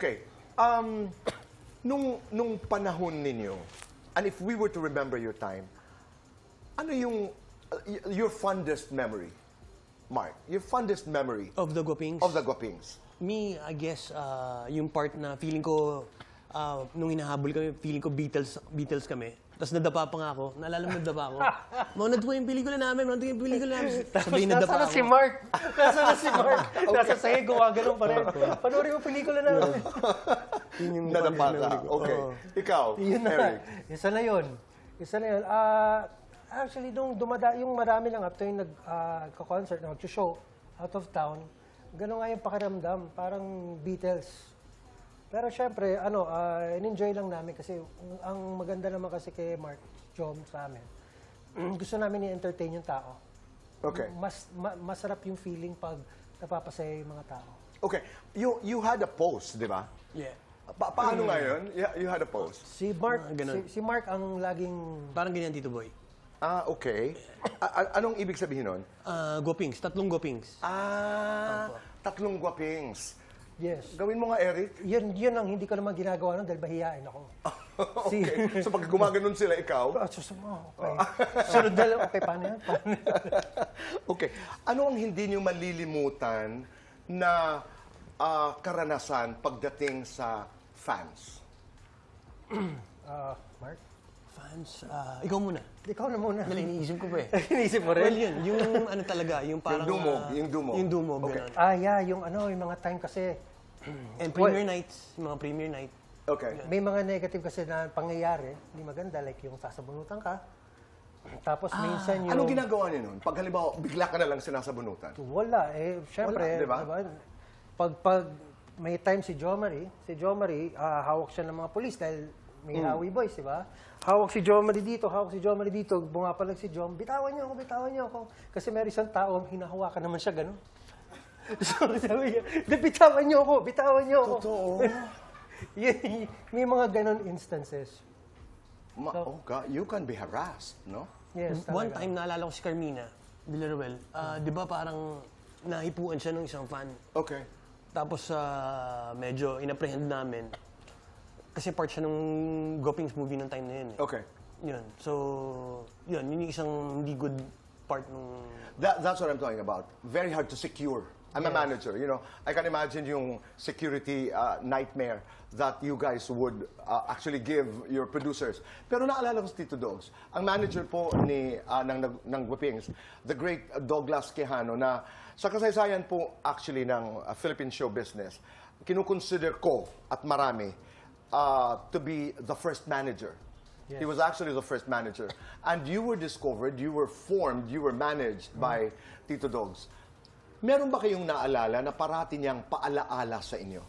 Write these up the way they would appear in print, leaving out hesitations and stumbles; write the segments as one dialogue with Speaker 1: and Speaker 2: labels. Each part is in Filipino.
Speaker 1: Okay. Nung panahon ninyo, and if we were to remember your time, ano yung your fondest memory, Mark? Your fondest memory
Speaker 2: Of the Guapings?
Speaker 1: of the Guapings?
Speaker 2: Me, I guess, yung part na feeling ko, nung hinahabol kami, feeling ko Beatles kami. Tapos nadapa pa nga ako. Naalala mo nadapa ako? Mga nadapa yung pelikula namin, mga yung pelikula namin. Sabihin nadapa
Speaker 3: Nasaan
Speaker 2: ako.
Speaker 3: si Mark? Nasaan na si Mark? Nasa sa'yo, gumagano'n pa rin. Panoorin mo pelikula namin.
Speaker 2: Yun yung
Speaker 1: Nadapa
Speaker 2: fondest
Speaker 1: ka.
Speaker 2: memory ko.
Speaker 1: Okay.
Speaker 2: Oo.
Speaker 1: Ikaw,
Speaker 3: Yun na.
Speaker 1: Eric.
Speaker 3: Isa na yun. Isa na yun. Actually, nung yung marami lang after yung nag-concert, nag-show out of town, gano'n nga yung pakiramdam. Parang Beatles. Pero syempre, in-enjoy lang namin kasi ang maganda naman kasi kay Mark Jom sa amin. Gusto namin i-entertain yung tao.
Speaker 1: Okay.
Speaker 3: Masarap yung feeling pag napapasaya yung mga tao.
Speaker 1: Okay. You had a post, di ba?
Speaker 2: Yeah.
Speaker 1: Paano nga yun? You had a post.
Speaker 3: Si Mark,
Speaker 2: ganun.
Speaker 3: si Mark ang laging
Speaker 2: Parang ganyan, Tito Boy.
Speaker 1: Okay. Anong ibig sabihin nun?
Speaker 2: Guapings, 3 Guapings.
Speaker 1: Tatlong Guapings.
Speaker 3: yes.
Speaker 1: Gawin mo nga, Eric.
Speaker 3: Yun ang hindi ko naman ginagawa nun dahil bahiyain ako.
Speaker 1: Okay. So pag gumaganon sila, ikaw?
Speaker 3: Okay. Sunod na lang, okay, paano yan?
Speaker 1: Okay. Ano ang hindi nyo malilimutan na karanasan pagdating sa fans?
Speaker 3: Mark?
Speaker 2: Fans, ikaw muna.
Speaker 3: Ikaw na muna.
Speaker 2: Dali, iniisip ko pa eh.
Speaker 3: Iniisip mo
Speaker 2: Well,
Speaker 3: rin?
Speaker 2: yun, yung ano talaga, yung parang...
Speaker 1: Yung dumog.
Speaker 2: Yung dumog,
Speaker 1: Okay.
Speaker 2: ganun.
Speaker 3: Yeah, yung mga time kasi,
Speaker 2: And premiere nights, yung mga premiere night.
Speaker 1: Okay.
Speaker 3: may mga negative kasi na pangyayari, hindi maganda, like yung sasabunutan ka. Tapos minsan yung...
Speaker 1: Anong ginagawa niyo nun? Pag halimbawa, bigla ka na lang sinasabunutan.
Speaker 3: Wala, syempre,
Speaker 1: Wala, di ba?
Speaker 3: Pag may time si Jo Marie, hawak siya ng mga polis dahil may Hawi Boys, di ba? Hawak si Jo Marie dito, bumapalag si Jom, bitawan niyo ako. Kasi may isang tao, hinahawakan naman siya, gano'n. So sabi niya, bitawan niyo ako.
Speaker 1: Totoo.
Speaker 3: May mga gano'n instances.
Speaker 1: Oh God, you can be harassed, no?
Speaker 3: Yes,
Speaker 2: One
Speaker 3: talaga.
Speaker 2: time, naalala ko si Carmina Villaruel. Di ba parang nahipuan siya ng isang fan.
Speaker 1: Okay.
Speaker 2: Tapos medyo inapprehend namin. Kasi part siya nung Guapings movie nung time na yun.
Speaker 1: Okay.
Speaker 2: Yun. So, yun yung isang hindi good part nung...
Speaker 1: That's what I'm talking about. Very hard to secure. I'm a manager, you know. I can imagine yung security nightmare that you guys would actually give your producers. Pero naalala ko si Tito Dogs, ang manager po ng Guapings, the great Douglas Quijano, na sa kasaysayan po actually ng Philippine show business, kinukonsider ko at marami to be the first manager. He was actually the first manager. And you were discovered, you were formed, you were managed by Tito Dogs. Meron ba kayong naalala na parati niyang paalaala sa inyo?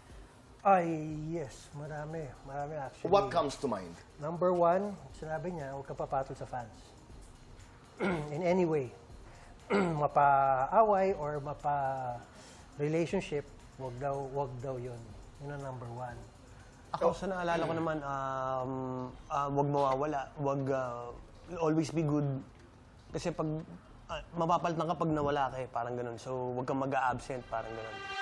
Speaker 3: Yes. Marami actually.
Speaker 1: What comes to mind?
Speaker 3: Number one, sinabi niya, huwag ka papatol sa fans. In any way. Mapa-away or mapa-relationship, wag daw yun. Yun ang number one.
Speaker 2: Ako, sa naalala ko naman, wag mawawala. Wag always be good. Kasi pag mapapalitan ka pag nawala ka eh, parang ganun. So, wag kang mag-a-absent, parang ganun.